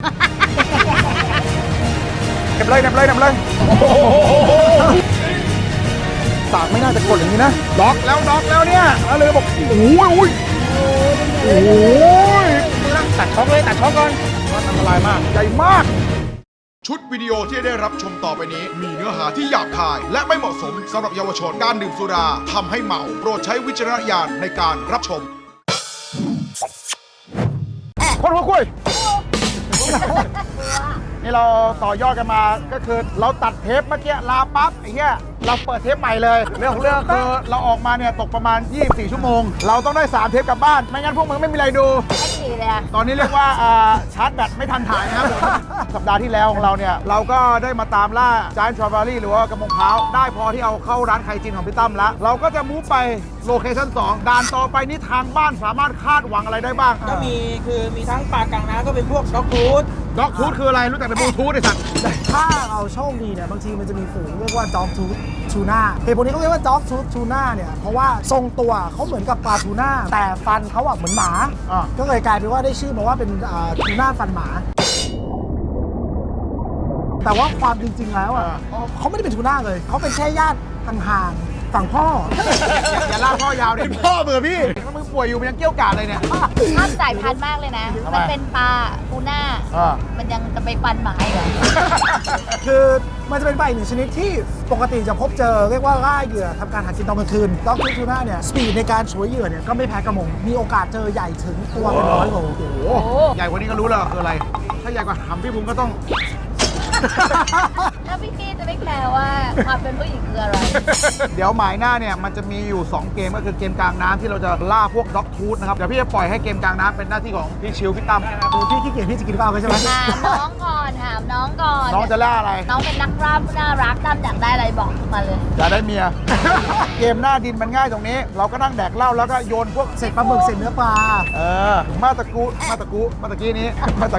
เน็บเลยสากไม่น่าจะกดอย่างนี้นะล็อกแล้วเนี่ยแล้วเลยบอกโอ้ยตัดช็อคก่อนมันอันตรายมากใหญ่มากชุดวิดีโอที่ได้รับชมต่อไปนี้มีเนื้อหาที่หยาบคาย และไม่เหมาะสมสำหรับเยาวชนการดื่มสุราทำให้เมาโปรดใช้วิจารณญาณในการรับชมคนหัวคุยนี่เราต่อยอดกันมาก็คือเราตัดเทปเมื่อกี้ลาปั๊บไอ้เหี้ยเราเปิดเทปใหม่เลยเรื่องของเรื่องคือเราออกมาเนี่ยตกประมาณ24ชั่วโมงเราต้องได้3เทปกลับบ้านไม่งั้นพวกมึงไม่มีอะไรดูไม่ดีเลยตอนนี้เรียกว่าชาร์จแบตไม่ทันถ่ายนะครับผมสัปดาห์ที่แล้วของเราเนี่ยเราก็ได้มาตามล่าจานทราเบอรี่หรือว่ากระมงพร้าวได้พอที่เอาเข้าร้านไข่จีนของพี่ตั้มแล้วเราก็จะมูฟไปโลเคชั่น2ด่านต่อไปนี้ทางบ้านสามารถคาดหวังอะไรได้บ้างก็มีทั้งปลากลางน้ำก็เป็นพวกด็อกทูธคืออะไรรู้จักแต่บลูทูธไอ้สัตว์ถ้าเราโชคดีเนี่ยบางทีมันจะมีฝูงเรียกว่าด็อกทูธทูน่าเหตุผลนี้เขาเรียกว่าด็อกทูธทูน่าเนี่ยเพราะว่าทรงตัวเขาเหมือนกับปลาทูน่าแต่ฟันเขาเหมือนหมาก็เลยกลายเป็นว่าได้ชื่อมาว่าเป็นทูน่าฟันหมาแต่ว่าความจริงๆแล้วเขาไม่ได้เป็นทูน่าเลยเขาเป็นแค่ญาติห่างๆฝั่งพ่ออย่าลากพ่อยาวดิพ่อเบื่อพี่มึงป่วยอยู่มันยังเกี้ยวกาดเลยเนี่ยข้ามสายพันธุ์มากเลยนะมันเป็นปลาทูน่ามันยังจะไปฟันหมาเหรอคือมันจะเป็นปลาอีกหนึ่งชนิดที่ปกติจะพบเจอเรียกว่าล่าเหยื่อทำการหากินตอนกลางคืนด็อกทูน่าเนี่ยสปีดในการฉวยเหยื่อเนี่ยก็ไม่แพ้กระมงมีโอกาสเจอใหญ่ถึงตัวเป็น100 โลโอ้โหใหญ่กว่านี้ก็รู้แล้วคืออะไรถ้าใหญ่กว่าหำพี่บุ้งก็ต้องแล้วพี่จะไม่แคร์ว่าความเป็นผู้หญิงคืออะไรเดี๋ยวหมายหน้าเนี่ยมันจะมีอยู่2เกมก็คือเกมกลางน้ำที่เราจะล่าพวกด็อกทูธนะครับเดี๋ยวพี่จะปล่อยให้เกมกลางน้ำเป็นหน้าที่ของพี่ชิวพี่ตั้มพี่ขี้เกียจพี่จะกินข้าวใช่ไหมถามน้องก่อนน้องจะล่าอะไรน้องเป็นนักล่าผู้น่ารักตั้มอยากได้อะไรบอกมาเลยอยากได้เมียเกมหน้าดินมันง่ายตรงนี้เราก็นั่งแดกเหล้าแล้วก็โยนพวกเศษปลาหมึกเศษเนื้อปลามาตะกี้นี้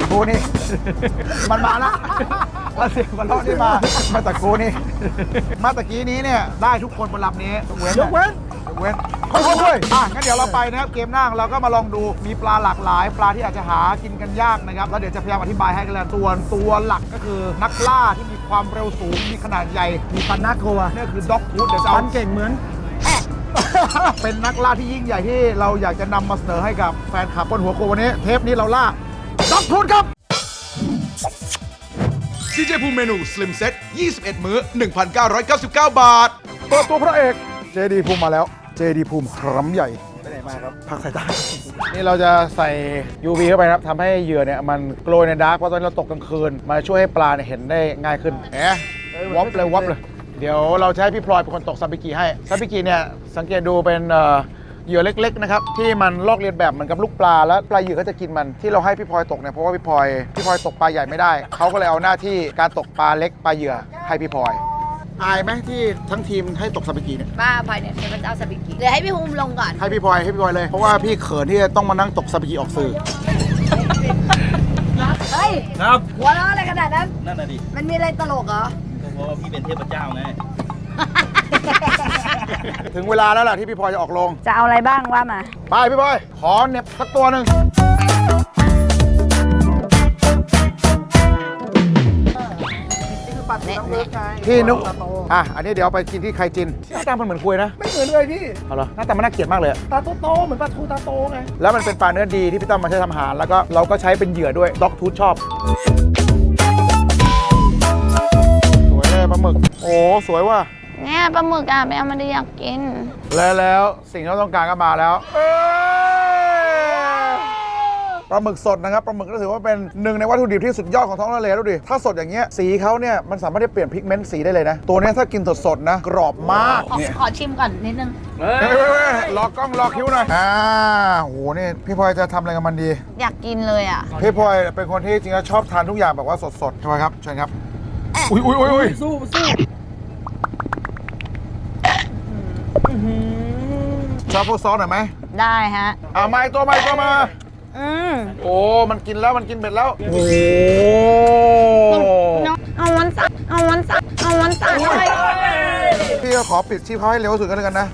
มันมาละแล้วเสียงมันรอดที่มาตะกูนี่มาตะกี้นี้เนี่ยได้ทุกคนบนลำนี้ยกเว้นค่อยงั้นเดี๋ยวเราไปนะครับเกมหน้าเราก็มาลองดูมีปลาหลากหลายปลาที่อาจจะหากินกันยากนะครับแล้วเดี๋ยวจะพยายามอธิบายให้กันแล้วตัวหลักก็คือนักล่าที่มีความเร็วสูงมีขนาดใหญ่มีฟันน่ากลัวนี่คือด็อกทูธเดี๋ยวจะฟันเก่งเหมือนเป็นนักล่าที่ยิ่งใหญ่ที่เราอยากจะนำมาเสนอให้กับแฟนคลับบนหัวโควันนี้เทปนี้เราล่าด็อกทูธครับดีเจภูมิเมนูสลิมเซ็ต21 มื้อ 1,999 บาทเปิดตัวพระเอกเจดีภูมิมาแล้วเจดีภูมิครั้งใหญ่ไปไหนมาครับพักสายตานี่เราจะใส่ UV เข้าไปครับทำให้เหยื่อเนี่ยมันโกลยในดาร์กเพราะตอนนี้เราตกกลางคืนมาช่วยให้ปลาเนี่ยเห็นได้ง่ายขึ้นวับเลยเดี๋ยวเราจะให้พี่พลอยเป็นคนตกซาบิกิให้ซาบิกิเนี่ยสังเกตดูเป็นเหยื่อเล็กๆนะครับที่มันลอกเลียนแบบเหมือนกับลูกปลาแล้วปลาเหยื่อก็จะกินมันที่เราให้พี่พลอยตกเนี่ยเพราะว่าพี่พลอยตกปลาใหญ่ไม่ได้เขาก็เลยเอาหน้าที่การตกปลาเล็กปลาเหยื่อให้พี่พลอยอายไหมที่ทั้งทีมให้ตกซาบิกิเนี่ยบ้าพลอยเนี่ยเป็นพระเจ้าซาบิกิเดี๋ยวให้พี่ภูมิลงก่อนให้พี่พลอยเลยเพราะว่าพี่เขินที่จะต้องมานั่งตกซาบิกิออกสื่อเฮ้ยครับหัวเราะอะไรขนาดนั้นนั่นน่ะดิมันมีอะไรตลกเหรอเพราะว่าพี่เป็นเทพเจ้าไงถึงเวลาแล้วล่ะที่พี่พลอยจะออกลงจะเอาอะไรบ้างว่ามาไปพี่พลอยขอเน็บสักตัวหนึ่งที่นุ๊กอันนี้เดี๋ยวไปกินที่ไคจินหน้าตามันเหมือนคุยนะไม่เหมือนเลยพี่เอาเหรอหน้าตามันน่าเกลียดมากเลยตาโตเหมือนปลาทูตาโตไงแล้วมันเป็นปลาเนื้อดีที่พี่ตั้มมาใช้ทำอาหารแล้วก็เราก็ใช้เป็นเหยื่อด้วยด็อกทูธชอบสวยเลยปลาหมึกโอ้สวยว่ะเนี่ยปลาหมึกไม่เอามาได้อยากกินแล้วสิ่งที่เราต้องการก็มาแล้วปลาหมึกสดนะครับปลาหมึกก็ถือว่าเป็นหนึ่งในวัตถุดิบที่สุดยอดของท้องทะเลดูดิถ้าสดอย่างเงี้ยสีเขาเนี่ยมันสามารถที่เปลี่ยนพิกเมนต์สีได้เลยนะตัวนี้ถ้ากินสดๆนะกรอบมากขอชิมก่อนนิดนึงรอกล้องรอคิ้วหน่อยโอ้โหนี่พี่พลอยจะทำอะไรกับมันดีอยากกินเลยอ่ะพี่พลอยเป็นคนที่จริงๆชอบทานทุกอย่างแบบว่าสดๆใช่ไหมครับเชิญครับอุ้ยสู้ชอบพวกซอสหน่อยไหมได้ฮะมาตัวมาโอ้มันกินแล้วมันกินเบ็ดแล้วโอ้เอาวันสักพี่ก็ขอปิดชีพเขาให้เร็วสุดกันเลยกันนะ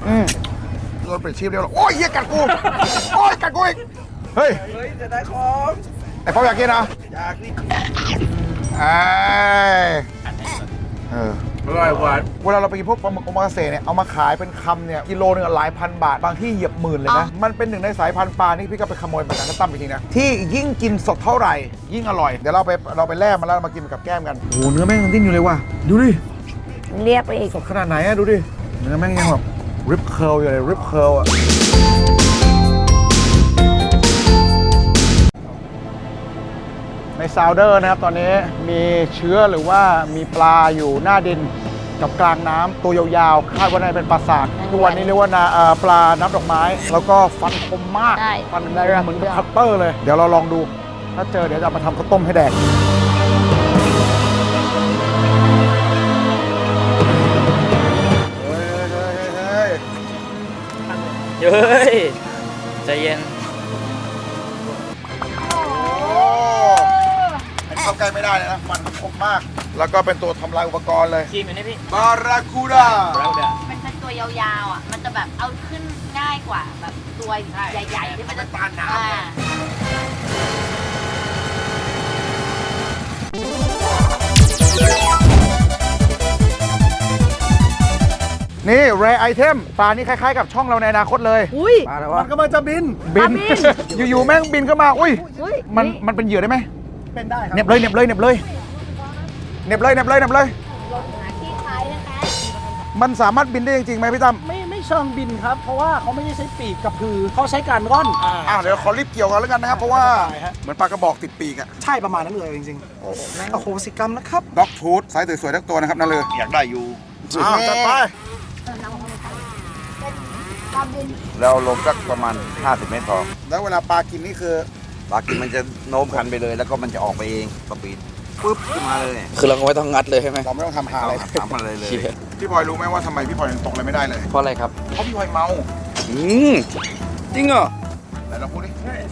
เราปิดชีพเร็วโอ้ยเหี้ยกัดกูโอ้ยกัดกูอีกเฮ้ยจะได้ของไอ้พ่ออยากกินเหรออยากนี่อร่อยหวานเวลาเราไปกินพวกปลาหมึกโอมากาเสะเนี่ยเอามาขายเป็นคำเนี่ยกิโลนึงหลายพันบาทบางที่เหยียบหมื่นเลยนะมันเป็นหนึ่งในสายพันธุ์ปลาที่พี่ก็ไปขโมยมาจากน้ำตั้มจริงๆนะที่ยิ่งกินสดเท่าไหร่ยิ่งอร่อยเดี๋ยวเราไปแล่มาแล้วมากินกับแก้มกันโอ้โหเนื้อแม่งยังดิ้นอยู่เลยว่ะดูดิเรียกไปอีกสดขนาดไหนอะดูดิเนื้อแม่งยังแบบริบเคิลอยู่เลยริบเคิลอะในซาวเดอร์นะครับตอนนี้มีเชื้อหรือว่ามีปลาอยู่หน้าดินกับกลางน้ำตัวยาวๆคาดว่าน่าจะเป็นปลาสากทุกวันนี้เรียกว่าปลาน้ำดอกไม้ แล้วก็ฟันคมมากใช่ฟันเหมือนกับคัตเตอร์เลยเดี๋ยวเราลองดูถ้าเจอเดี๋ยวจะเอามาทำข้าวต้มให้แดกเฮ้ย ใจเย็นเข้าใกล้ไม่ได้เลยนะฟันคมมาก แล้วก็เป็นตัวทำลายอุปกรณ์เลยชิมอยู่นี่พี่บาราคูด้ามันเป็นตัวยาวๆอ่ะ มันจะแบบเอาขึ้นง่ายกว่าแบบตัวใหญ่ๆที่มันจะตานน้ำนี่เรไอเทมปลานี่คล้ายๆกับช่องเราในอนาคตเลยอุ้ยปลาอะไรมัวะนกำลังจะบินบินปลาบินอยู่ๆแม่งบินเข้ามาอุ้ยอุ้ยมันเป็นเหยื่อได้ไหมเป็นได้ครัเหน็บเลยเหน็บเลยเหน็บเลยเหน็บเลยเหน็บเลยเหน็บเลยหาที่คล้ายนะคะมันสามารถบินได้จริงๆไหมพี่ตั้มไม่เชิงบินครับ เพราะว่าเขาไม่ได้ใช้ปีกกับพือเขาใช้การร่อนเดี๋ยวขอรีบเกี่ยวกันแล้วกันนะครับเพราะว่าได้ฮะเหมือนปลากระบอกติดปีกอะใช่ประมาณนั้นเลยจริงๆ โอ้โหสิกรรมนะครับด็อกฟูดไซส์สวยๆทั้งตัวนะครับนั่นเลยอยากได้อยู่จัดไปแล้วลงสักประมาณ 50 เมตรพอแล้วเวลาปลากินนี่คือปลากินมันจะโน้มคันไปเลย แล้วก็มันจะออกไปเองสปีดปุ๊บขึ้นมาเลยคือเราก็ไม่ต้องงัดเลยใช่ไหมเราไม่ต้องทำหาเอาอะไรทำอะไรเลยพี่พลอยรู้ไหมว่าทำไมพี่พลอยถึงตกอะไรไม่ได้เลยเพราะอะไรครับเพราะพี่พลอยเมาจริงเหรอไหนเราพูดดิ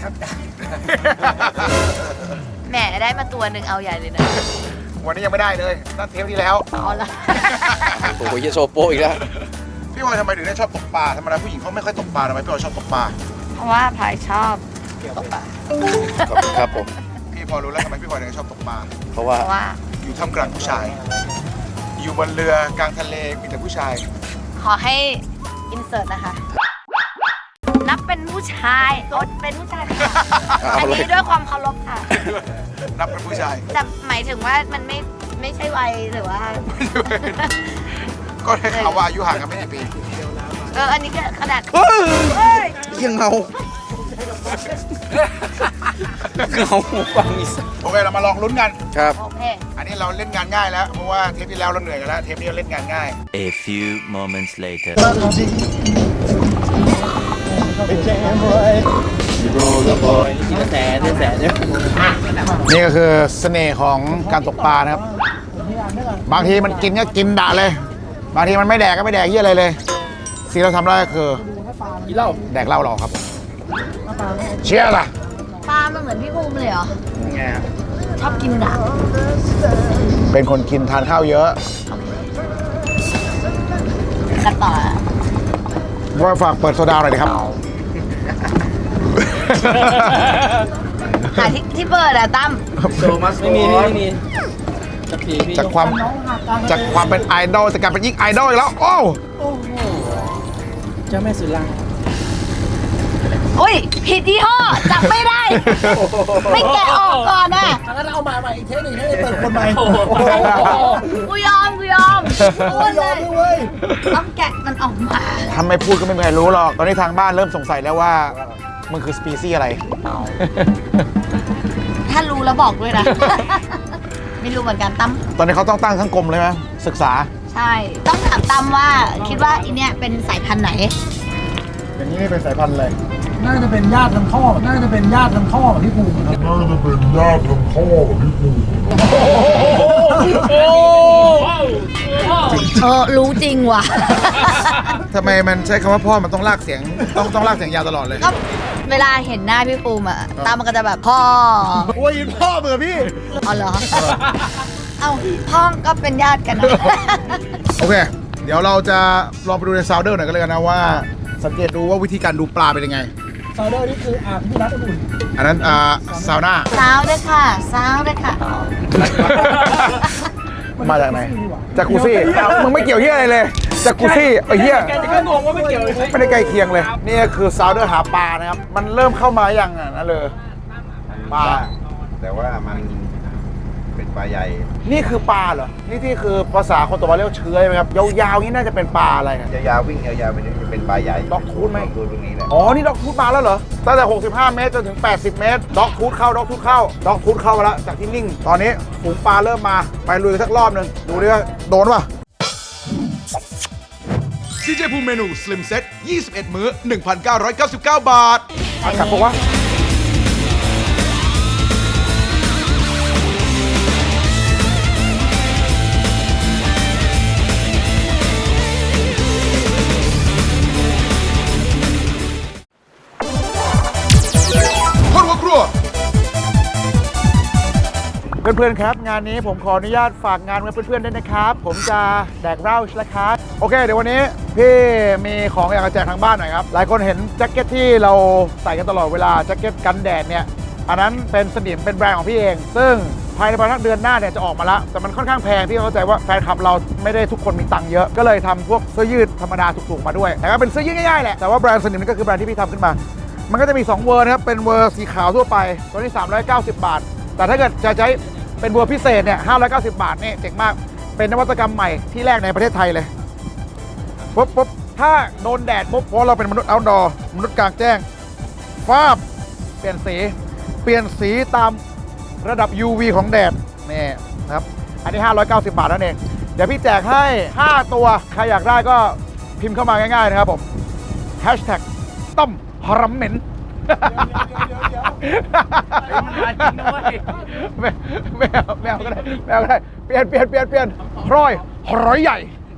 แหมได้มาตัวหนึ่งเอาใหญ่เลยนะวันนี้ยังไม่ได้เลยนั่นเทปที่แล้วเอาละโอ้โหเยโซโปอีกแล้วพี่พลอยทำไมถึงได้ชอบตกปลาธรรมดาผู้หญิงเขาไม่ค่อยตกปลาทำไมพี่พลอยชอบตกปลาเพราะว่าพายชอบตกปลาครับผมพี่พอรู้แล้วทำไมพี่พลอยถึงชอบตกปลาเพราะว่าเพราะว่าอยู่ท่ามกลางผู้ชาย อยู่บนเรือกลางทะเลมีแต่ผู้ชายขอให้อินเสิร์ตนะคะ นับเป็นผู้ชายโอ๊ยเป็นผู้ชายค่ะเอาอันเลยนี้ด้วยความเคารพค่ะนับเป็นผู้ชายแต่หมายถึงว่ามันไม่ใช่วัยหรือว่าก็ได้ข่าวว่าอายุห่างกันไม่กี่ปีอันนี้ก็ขนาดยังเงาเงาฟังอีสโอเคเรามาลองลุ้นกันครับโอเคอันนี้เราเล่นงานง่ายแล้วเพราะว่าเทปที่แล้วเราเหนื่อยกันแล้วเทปนี้เราเล่นงานง่าย A few moments later. นี่ก็คือเสน่ห์ของการตกปลานะครับ บางทีมันกินก็กินด่าเลย บางทีมันไม่แดกก็ไม่แดกเยี่ยอะไรเลยสิ่งที่เราทำได้ก็คือกินเหล้าแดกเหล้าเราครับ เชียร์ล่ะปลามันเหมือนพี่ภูมิเลยเหรอ ชอบกินด่างเป็นคนกินทานข้าวเยอะกันต่อว่าฝากเปิดโซดาหน่อยดิครับหาที่เปิดอะตั้มไม่มีจากความเป็นไอดอลจะกลายเป็นยิ่งไอดอลอีกแล้ว โอ้เจ้าแม่สุรังอุ้ยผิดยี่ห้อจับไม่ได้ ไม่แกะออกก่อนอะอันนั้นเอามาใหม่อีกเทปหนึ่งให้เปิดคนใหม่กูยอมพูดเลยต้องแกะมันออกมาทำไม่พูดก็ไม่มีใครรู้หรอก ตอนนี้ทางบ้านเริ่มสงสัยแล้วว่ามันคือสปีซี่อะไรถ้ารู้แล้วบอกด้วยนะ ไม่รู้เหมือนกันตั้มตอนนี้เขาต้องตั้งทั้งกรมเลยไหมศึกษาใช่ ต้องถามตั้มว่าคิดว่าอีเนี่ยเป็นสายพันธุ์ไหนอย่างนี้เป็นสายพันธุ์อะไรน่าจะเป็นญาติทางพ่อของพี่ภูมิครับรู้จริงว่ะทำไมมันใช้คำว่าพ่อมันต้องลากเสียง ต้องลากเสียงยาวตลอดเลยก็เวลาเห็นหน้าพี่ภูมิอะตามมันก็จะแบบพ่อโอ้ยพ่อเบื่อพี่เอาเหรอ เอาพ่อก็เป็นญาติกันนะโอเค เดี๋ยวเราจะลองไปดูในซาวเดอร์หน่อยกันเลยกันนะว่า สังเกตดูว่าวิธีการดูปลาเป็นยังไงซาวเดอร์นี่คืออ่างที่น้ำอุ่นอันนั้นซาวน่าสาวด้วยค่ะสาวด้วยค่ะมาจากไหนจากกูซี่มึงไม่เกี่ยวเฮียอะไรเลยจากกูซี่ไอ้เฮียแกจะก็งงว่าไม่เกี่ยวเลยไม่ได้ใกล้เคียงเลย นี่คือซาวเดอร์หาปลานะครับ มันเริ่มเข้ามาอย่างนั้นเลยปลาแต่ว่ามันเป็นปลาใหญ่นี่คือปลาเหรอ นี่ที่คือภาษาคนตะวันเรียกว่าเชื้อไหมครับ ยาวๆนี่น่าจะเป็นปลาอะไรครับยาวๆวิ่งยาวๆไปนี่จะเป็นปลาใหญ่ด็อกทูธไหมด็อกทูธตรงนี้แหละอ๋อ นี่ด็อกทูธมาแล้วเหรอ ตั้งแต่ 65 เมตรจนถึง 80 เมตร ด็อกทูธเข้า ด็อกทูธเข้า ด็อกทูธเข้ามาแล้ว จากที่นิ่ง ตอนนี้ฝูงปลาเริ่มมา ไปลุยกันสักรอบหนึ่งดูดิว่าโดนป่ะดีเจภูมิเมนูสลิมเซ็ต21 มื้อ 1,999 บาทกลับบอกว่าคนหัวครัวเพื่อนๆครับงานนี้ผมขออนุญาตฝากงานไว้เพื่อนๆด้วยนะครับ ผมจะแดกเหล้าแล้วครับโอเคเดี๋ยววันนี้พี่มีของอยากจะแจกทางบ้านหน่อยครับหลายคนเห็นแจ็คเก็ตที่เราใส่กันตลอดเวลาแจ็คเก็ตกันแดดเนี่ยอันนั้นเป็นสนิมเป็นแบรนด์ของพี่เอง ซึ่งภายในประมาณเดือนหน้าเนี่ยจะออกมาแล้วแต่มันค่อนข้างแพงพี่เข้าใจว่าแฟนคลับเราไม่ได้ทุกคนมีตังค์เยอะก็เลยทำพวกเสื้อยืดธรรมดาถูกๆมาด้วยแต่ก็เป็นเสื้อยืดง่ายๆแหละแต่ว่าแบรนด์สนิมนี่ก็คือแบรนด์ที่พี่ทำขึ้นมามันก็จะมี2เวอร์นะครับเป็นเวอร์สีขาวทั่วไปตัวนี้390 บาทแต่ถ้าเกิดจะใช้เป็นเวอร์พิเศษเนี่ย590 บาทนี่เจ๋งมากเป็นนวัตกรรมใหม่ที่แรกในประเทศไทยเลยปุ๊บถ้าโดนแดดปุ๊บเพราะเราเป็นมนุษย์เอาท์ดอร์มนุษย์กลางแจ้งฟ้าบเปลี่ยนสีตามระดับ UV ของแดดนี่นะครับอันนี้590 บาทนั่นเองเดี๋ยวพี่แจกให้5ตัวใครอยากได้ก็พิมพ์เข้ามาง่ายๆนะครับผมต้มหรัมเหม็นไม่เอาก็ได้เปลี่ยนพร้อยใหญ่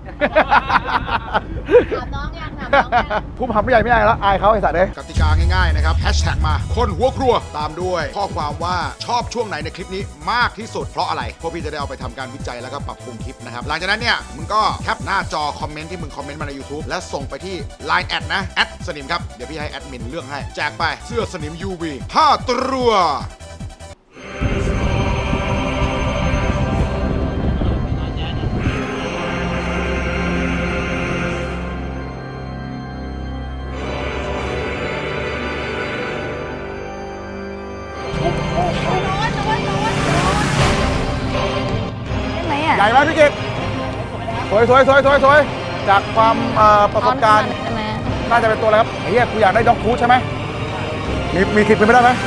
ถามน้องยังถามน้องยังภูมิหำใหญ่ไม่ได้แล้วอายเขาไอ้สัตว์เลยกติกาง่ายๆนะครับแฮชแท็กมาคนหัวครัวตามด้วยข้อความว่าชอบช่วงไหนในคลิปนี้มากที่สุดเพราะอะไรพวกพี่จะได้เอาไปทำการวิจัยแล้วก็ปรับปรุงคลิปนะครับหลังจากนั้นเนี่ยมึงก็แคปหน้าจอคอมเมนต์ที่มึงคอมเมนต์มาใน YouTube และส่งไปที่ Line แอดนะแอดสนิมครับเดี๋ยวพี่ให้แอดมินเลือกให้แจกไปเสื้อสนิม UV 5 ตัวได้ไหมอ่ะใหญ่ไหมพี่กิตสวยจากความประสบการณ์ใช่ไหมน่าจะเป็นตัวอะไรครับไอ้เหี้ยกูอยากได้ด็อกทูธใช่ไหมมีคิดเป็นไปได้ไหม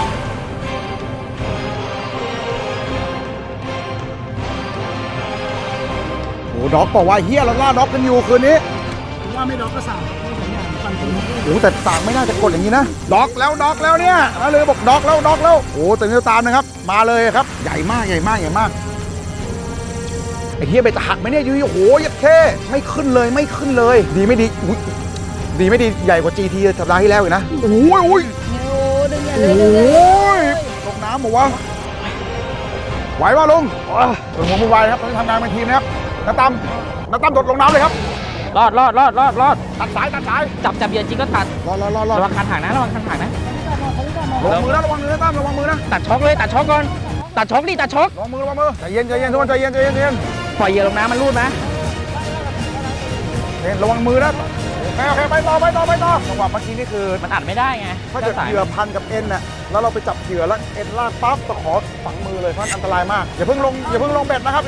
โอ้ด็อกบอกว่าเฮียเราล่าด็อกกันอยู่คืนนี้ผมว่าไม่ด็อกก็สั่งไม่สองอย่างฟันคุณโอ้แต่สั่งไม่น่าจะกดอย่างนี้นะด็อกแล้วเนี่ยนะเลยบอกด็อกแล้วโอ้แต่นี่ตามนะครับมาเลยครับใหญ่มากไอ้เฮียไปจะหักไหมเนี่ยยูโอ้โหยัดแค่ไม่ขึ้นเลยดีไม่ดีอุ๊ยดีไม่ดีใหญ่กว่า GT สัปดาห์ที่แล้วอีกนะโอ้ยดึงอย่าโอเลยดึงอย่าเลย้ยลงน้ำบอกว่าไหวป่ะลุงส่วนหัวมือไวครับตอนนี้ทำงานเป็นทีมนะครับน้าตั้มโดดลงน้ำเลยครับรอดตัดสายจับเหยื่อจริงก็ตัดรอระวังคันหักนะลงมือนะระวังมือนะตั้มระวังมือนะตัดช็อกเลยตัดช็อกก่อนตัดช็อกดิตัดช็อกระวังมือใจเย็นทุกคนใจเย็นปล่อยเหยื่อลงน้ำมันรูดนะระวังมือนะโอเคไปต่อจังหวะเมื่อกี้นี่คือมันอัดไม่ได้ไงถ้าเกิดเหยื่อพันกับเอ็นน่ะแล้วเราไปจับเหยื่อแล้วเอ็นลากปั๊บตะขอฝังมือเลยเพราะอันตรายมากอย่าเพิ่งลงเบ็ดนะครับ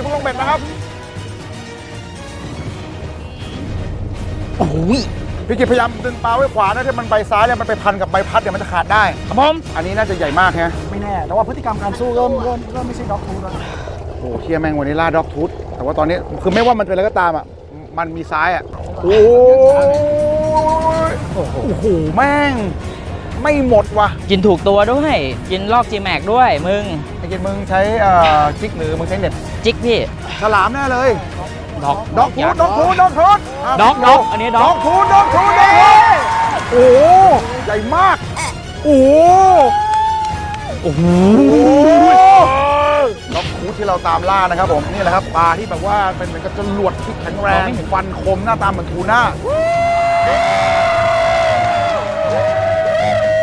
โอ้โหพี่กิจพยายามดึงปลาไว้ขวานะถ้ามันไปซ้ายเนี่ยมันไปพันกับใบพัดเดี๋ยวมันจะขาดได้ครับผมอันนี้น่าจะใหญ่มากฮะไม่แน่แต่ว่าพฤติกรรมการสู้เริ่มไม่ใช่ด็อกทูธแล้วโอ้เฮียแม่งวันนี้ล่าด็อกทูธแต่ว่าตอนนี้คือไม่ว่ามันเป็นอะไรก็ตามอ่ะมันมีซ้ายอ่ะโอ้โหแม่งไม่หมดว่ะกินถูกตัวด้วยกินลอก G-Max ด้วยมึงไอ้กินมึงใช้จิ๊กหรือมึงใช้เน็ตจิกพี่ฉลามแน่เลยด็อกด็อกทูธด็อกอันนี้ด็ด็ออก กทูธโอ้ใหญ่มากโอ้โหด็อกทูธที่เราตามล่านะครับผมนี่แหละครับปลาที่แบบว่าเป็นเหมือนกับจรวดที่แข็งแรงฟันคมหน้าตาเหมือนทูน่า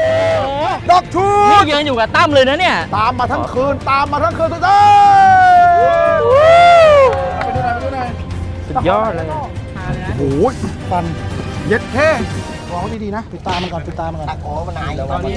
ด็อกทูนี่ยืนอยู่กับตั้มเลยนะเนี่ยตามมาทั้งคืนทุกท่านไปดูหน่อยสุดยอดเลยโอ้ยฟันเย็ดแค่มองดีๆนะปิดตามันก่อนปิดตามันก่อนโอ้มันหายตอนนี้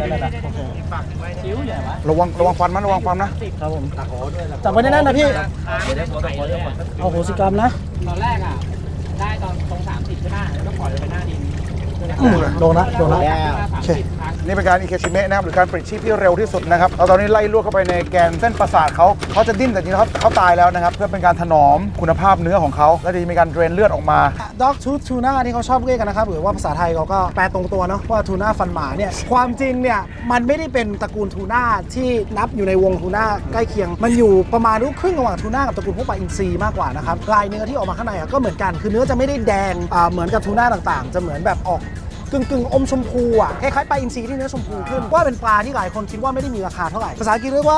ระวังฟันมันระวังฟันนะครับผมจับไว้แน่นๆนะพี่เอาโหสิกรรมนะตอนแรกอ่ะ ได้ตอนตรง30ใช่ไหมแล้วก็ปล่อยลงไปหน้าดินโดนละโอเคนี่เป็นการอิเคชิเมะนะครับหรือการปลิดชีพที่เร็วที่สุดนะครับเราตอนนี้ไล่ลวกเข้าไปในแกนเส้นประสาทเขาจะดิ้นแต่จริงๆเขาตายแล้วนะครับเพื่อเป็นการถนอมคุณภาพเนื้อของเขาและจะมีการเดรนเลือดออกมาด็อกทูทูน่าที่เขาชอบเรียกกันนะครับหรือว่าภาษาไทยเขาก็แปลตรงตัวเนาะว่าทูน่าฟันหมาเนี่ยความจริงเนี่ยมันไม่ได้เป็นตระกูลทูน่าที่นับอยู่ในวงทูน่าใกล้เคียง มันอยู่ประมาณลูกครึ่งระหว่างทูน่ากับตระกูลพวกปลาอินทรีมากกว่านะครับลายเนื้อที่ออกมาข้างในก็เหมือนกันคือเนื้อจะไม่ได้แดงเหมือนกับทูน่าต่างๆ จะเหมือนแบบออกกึ่งอมชมพูอ่ะคล้ายๆปลาอินทรีที่เนื้อชมพูขึ้นว่าเป็นปลาที่หลายคนคิดว่าไม่ได้มีราคาเท่าไหร่ภาษาอังกฤษเรียกว่า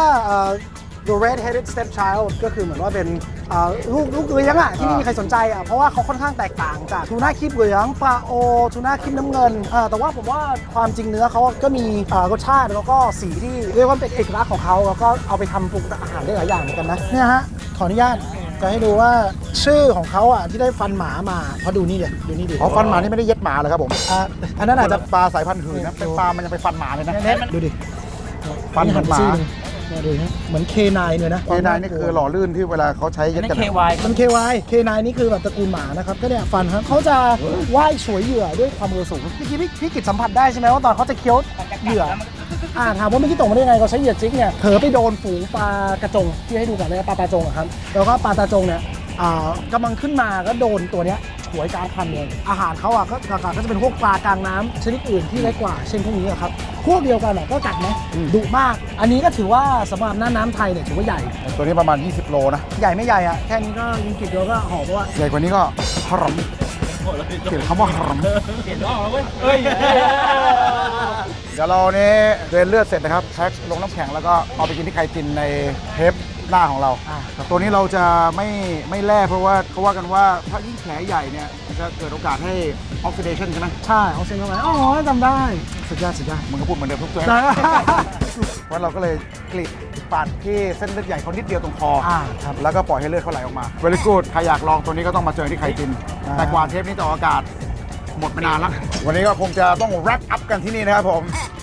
the red-headed stepchild ก็คือเหมือนว่าเป็นลูกเลี้ยงอ่ะที่ไม่มีใครสนใจอ่ะเพราะว่าเขาค่อนข้างแตกต่างจากทูน่าครีบเหลืองปลาโอทูน่าครีบน้ำเงินแต่ว่าผมว่าความจริงเนื้อเขาก็มีรสชาติแล้วก็สีที่เรียกว่าเป็นเอกลักษณ์ของเขาแล้วก็เอาไปทำปรุงอาหารได้หลายอย่างเหมือนกันนะเนี่ยฮะขออนุญาตจะให้ดูว่าชื่อของเขาอ่ะที่ได้ฟันหมามาเพราะดูนี่เดี๋ยวดูนี่ดิอ๋อฟันหมานี่ไม่ได้เย็ดหมาเลยครับผมอันนั้นอาจจะปลาสายพันธุ์หื่นนะเป็นปลามันยังไปฟันหมาเลยนะดูดิฟันเหมือนหมาเนี่ยดูนะเหมือน K9 เลยนะเคนายนี่คือหล่อลื่นที่เวลาเขาใช้เย็ดกันมัน KY K9 นี่คือแบบตระกูลหมานะครับก็เนี่ยฟันครับเขาจะว่ายฉวยเหยื่อด้วยความเร็วสูงเมื่อกี้พี่กิจสัมผัสได้ใช่ไหมว่าตอนเขาจะเคี้ยวเหยื่อถามว่าเมื่อกี้ตกมาได้ไงเขาใช้เหยื่อจิกเนี่ยเผลอไปโดนฝูงปลากระจงที่ให้ดูก่อนเลยปลาตาจงอะครับแล้วก็ปลาตาจงเนี่ยกำลังขึ้นมาก็โดนตัวเนี้ยฉวยกลางคันเลยอาหารเขาก็จะเป็นพวกปลากลางน้ำชนิดอื่นที่เล็กกว่าเช่นพวกนี้ครับพวกเดียวกันก็กัดไหมดุมากอันนี้ก็ถือว่าสำหรับหน้าน้ำไทยเนี่ยถือว่าใหญ่ตัวนี้ประมาณ 20 โลนะใหญ่ไม่ใหญ่อะแค่นี้ก็ยิงกิดเดียวก็หอบว่าใหญ่กว่านี้ก็ฮารอมเขียนคำว่าฮารอมเห็นว่าเว้ยเฮ้ยเดี๋ยวเราเนี่ยเดินเลือดเสร็จนะครับแพ็คลงน้ำแข็งแล้วก็เอาไปกินที่ไคจินในเทปหน้าของเราตัวนี้เราจะไม่แล่เพราะว่าเขาว่ากันว่าถ้ายิ่งแผลใหญ่เนี่ยมันจะเกิดโอกาสให้ออกซิเดชันใช่ไหมใช่เอาเซ็นเข้าไปอ๋อจำได้สุดยอดสุดยอดมึงก็พูดเหมือนเดิมทุกตัวได้เพราะเราก็เลยกรีดปาดที่เส้นเลือดใหญ่เขานิดเดียวตรงคอครับแล้วก็ปล่อยให้เลือดเขาไหลออกมา very good ใครอยากลองตัวนี้ก็ต้องมาเจอที่ไคจิน แต่กว่าเทปนี้จะออกอากาศหมดไปนานแล้ว วันนี้ก็คงจะต้อง wrap up กันที่นี่นะครับผม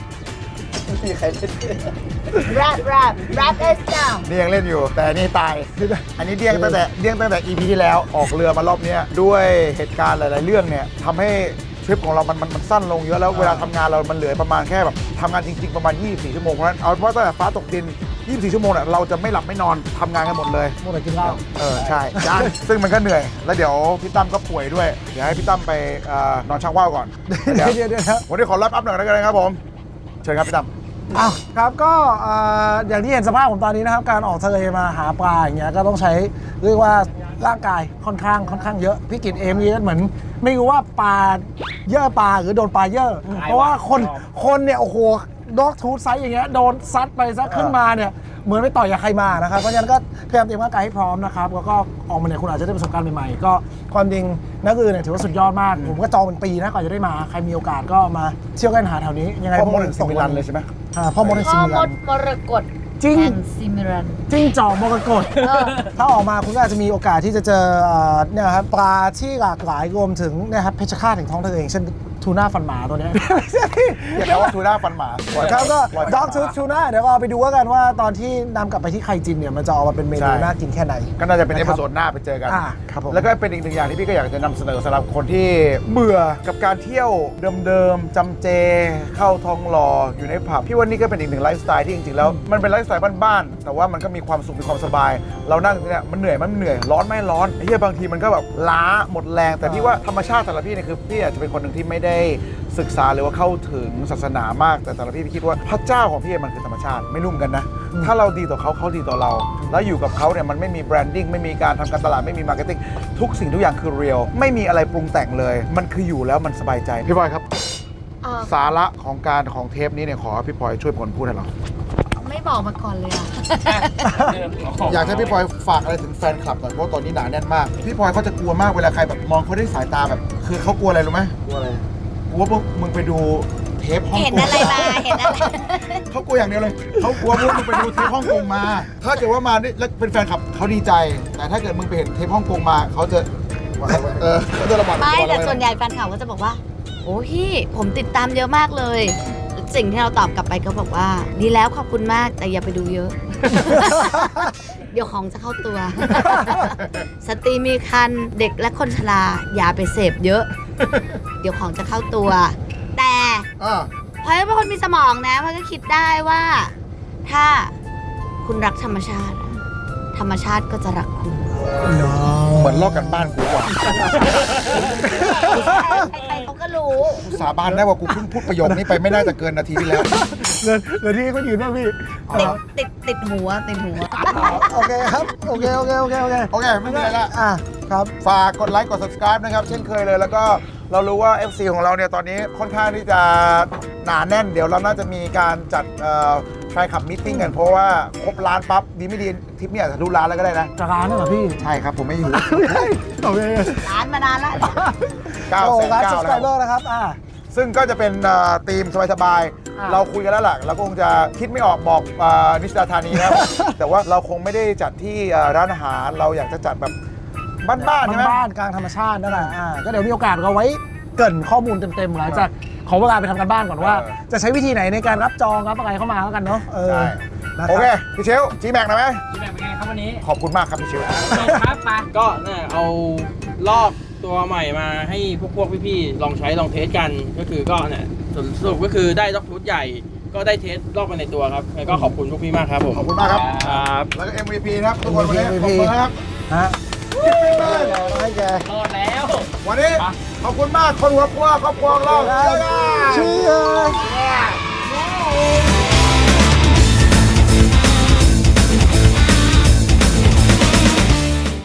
wrap us down นี่ยังเล่นอยู่ แต่นี่ตาย อันนี้เดี้ยงตั้งแต่ EP ที่แล้วออกเรือมารอบนี้ด้วยเหตุการณ์หลาย ๆ เรื่องเนี่ยทำให้ทริปของเรามันสั้นลงเยอะแล้วเวลาทำงานเรามันเหลือประมาณแค่แบบทำงานจริง ๆ ประมาณ 24 ชั่วโมงเพราะฉะนั้นเอาว่าตั้งแต่ฟ้าตกดิน 24 ชั่วโมงเนี่ยเราจะไม่หลับไม่นอนทำงานกันหมดเลยหมดแต่กินเหล้าใช่จ้าซึ่งมันก็เหนื่อย แล้วเดี๋ยวพี่ตั้มก็ป่วยด้วย เดี๋ยวให้พี่ตั้มไปนอนชักว่าวก่อนเดี๋ยววันนี้ขอรับอัพหน่อยแล้วกันครับผมเชิญครับพี่ตั้มอ้าวครับก็อย่างที่เห็นสภาพผมตอนนี้นะครับการออกทะเลมาหาปลาอย่างเงี้ยก็ต้องใช้เรียกว่าร่างกายค่อนข้างเยอะพี่กิตเอมนี่เหมือนไม่รู้ว่าปลาเยอะปลาหรือโดนปลาเยอะเพราะว่าคนเนี่ยโอ้โหด็อกทูธไซส์อย่างเงี้ยโดนซัดไปซะขึ้นมาเนี่ยเหมือนไปต่อยกับใครมานะครับเพราะฉะนั้นก็พยายามเตรียมร่างกายให้พร้อมนะครับแล้วก็ออกมาเนี่ยคุณอาจจะได้ประสบการณ์ใหม่ๆก็ความจริงนักเรียนเนี่ยถือว่าสุดยอดมากผมก็จองเป็นปีนะก่อนจะได้มาใครมีโอกาสก็มาเที่ยวกันหาแถวนี้ยังไงพ่อมดถึงซิมิลันเลยใช่ไหมพ่อมดถึงซิพ่อมิมลัดนมรกตจริงแอนซิมิรันจิ้งจอกมรกตเออถ้าออกมาคุณก็อาจจะมีโอกาสที่จะเจอเนี่ยครับปลาที่หลากหลายรวมถึงนะครับเพชฌฆาตแห่งท้องทะเลอย่างเช่นทูน่าฟันหมาตัวเนี้ยเรียกว่าทูน่าฟันหมาครับก็ปล่ยด็อกทูน่าเดี๋ยวเราไปดูกันว่าตอนที่นำกลับไปที่ไคจินเนี่ยมันจะออกมาเป็นเมนูน่ากินแค่ไหนก็น่าจะเป็นเอพิโซดหน้าไปเจอกันครับผมแล้วก็เป็นอีกหนึ่งอย่างที่พี่ก็อยากจะนำเสนอสำหรับคนที่เบื่อกับการเที่ยวเดิมๆจำเจเข้าทองหล่ออยู่ในผับพี่ว่านี่ก็เป็นอีกหนึ่งไลฟ์สไตล์ที่จริงๆแล้วมันเป็นไลฟ์สไตล์บ้านๆแต่ว่ามันก็มีความสุขมีความสบาย เรานั่งเนี่ยมันเหนื่อยร้อนไม่ร้อนไอ้เหี้ยบางทีมันก็แบบล้าหมดแรงแต่พี่ว่าธรรมชาติสำหรับพี่เนี่ยคือพี่อาจจะเป็นคนหนึ่งที่ไม่ได้ศึกษาหรือว่าเข้าถึงศาสนามากแต่สำหรับพี่คิดว่าพระเจ้าของพี่มันคือธรรมชาติไม่รุ่มกันนะถ้าเราดีต่อเขาเขาดีต่อเรา แล้วอยู่กับเขาเนี่ยมันไม่มีแบรนดิ้งไม่มีการทำการตลาดไม่มีมาร์เก็ตติ้งทุกสิ่งทุกอย่างคือเรียลไม่มีอะไรปรุงแต่งเลยมันคืออยู่แล้วมันสบายใจพี่พลอยครับ สาระของเทปนี้เนี่ยขอพี่พลอยช่วยผลพูดให้เราไม่บอกมาก่อนเลยอ่ะอยากให้พี่พลอยฝากอะไรถึงแฟนคลับหน่อยเพราะตอนนี้หนาแน่นมากพี่พลอยเขาจะกลัวมากเวลาใครแบบมองเขาด้วยสายตาแบบคือเขากลัวอะไรรู้ไหมกลัวอะไรกลัวว่ามึงไปดูเทปฮ่องกงเห็นอะไรมาเห็นอะไรเขากลัวอย่างเดียวเลยเขากลัวพวกมึงไปดูเทปฮ่องกงมา ถ้าเกิดว่ามานี่แล้วเป็นแฟนคลับเขาดีใจ แต่ถ้าเกิดมึงไปเห็นเทปฮ่องกงมาเขาจะเขาจะระบาดไม่แต่ส่วนใหญ่แฟนข่าวก็จะบอกว่าโอ้พี่ผมติดตามเยอะมากเลย สิ่งที่เราตอบกลับไปก็บอกว่า ดีแล้วขอบคุณมากแต่อย่าไปดูเยอะ เดี๋ยวของจะเข้าตัว สตรีมีคันเด็กและคนชราอย่าไปเสพเยอะ เดี๋ยวของจะเข้าตัว แต่อ่าพลอยเป็นคนมีสมองนะพลอยก็คิดได้ว่า ถ้าคุณรักธรรมชาติอะธรรมชาติก็จะรักคุณเหมือนลอกกันบ้านกูว่ะใครๆเขาก็รู้กูสาบานได้ว่ากูเพิ่งพูดประโยคนี้ไปไม่น่าจะเกินนาทีที่แล้วเงินที่ก็ยืนบ้างพี่ติดหัวติดหัวโอเคครับ โอเคโอเค ไม่มีอะไรละอ่ะครับฝากกดไลค์กด subscribe นะครับ เช่นเคยเลย แล้วก็เรารู้ว่า FC ของเราเนี่ยตอนนี้ค่อนข้างที่จะหนาแน่น เดี๋ยวเราน่าจะมีการจัดแฟนคลับมิทติ้งกัน เพราะว่าครบล้านปั๊บ ดีไม่ดีทริปเนี่ยจะทะลุล้านแล้วก็ได้นะจากร้านน่ะเหรอพี่ใช่ครับ ผมไม่อยู่โอเคร้านมานานแล้ว 9 โอ้แสนร้าน 9 subscriber แล้วนะครับซึ่งก็จะเป็นธีมสบายๆ เราคุยกันแล้วล่ะเราก็คงจะคิดไม่ออกบอกนิชดาธานีนะครับ แต่ว่าเราคงไม่ได้จัดที่ร้านอาหาร เราอยากจะจัดแบบบ้านๆใช่ไหมบ้านๆกลางธรรมชาตินั่นแหละก็เดี๋ยวมีโอกาสเราไว้เกริ่นข้อมูลเต็มๆหลังจากขอเวลาไปทำกันบ้านก่อนว่า จะใช้วิธีไหนในการรับจองรับอะไรเข้ามาแล้วกันเนาะใช่นะครับโอเค พี่เชลจีแม็กนะไหมพี่แม่เป็นไงครับวันนี้ขอบคุณมากครับพี่เชลครับไปก็เนี่ยเอาลอกตัวใหม่มาให้พวกพี่ๆลองใช้ลองเทสกันก็คือก็เนี่ยสรุปก็คือได้ด็อกฟูดใหญ่ก็ได้เทสลอกไปในตัวครับแล้วก็ขอบคุณพวกพี่มากครับผมขอบคุณมากครับครับแล้วก็ MVP นะครับทุกคนวันนี้ขอบคุณนะครับฮะให้แกรอดแล้ววันนี้ขอบคุณมากคนหัวครัวครอบครัวของเราเชียร์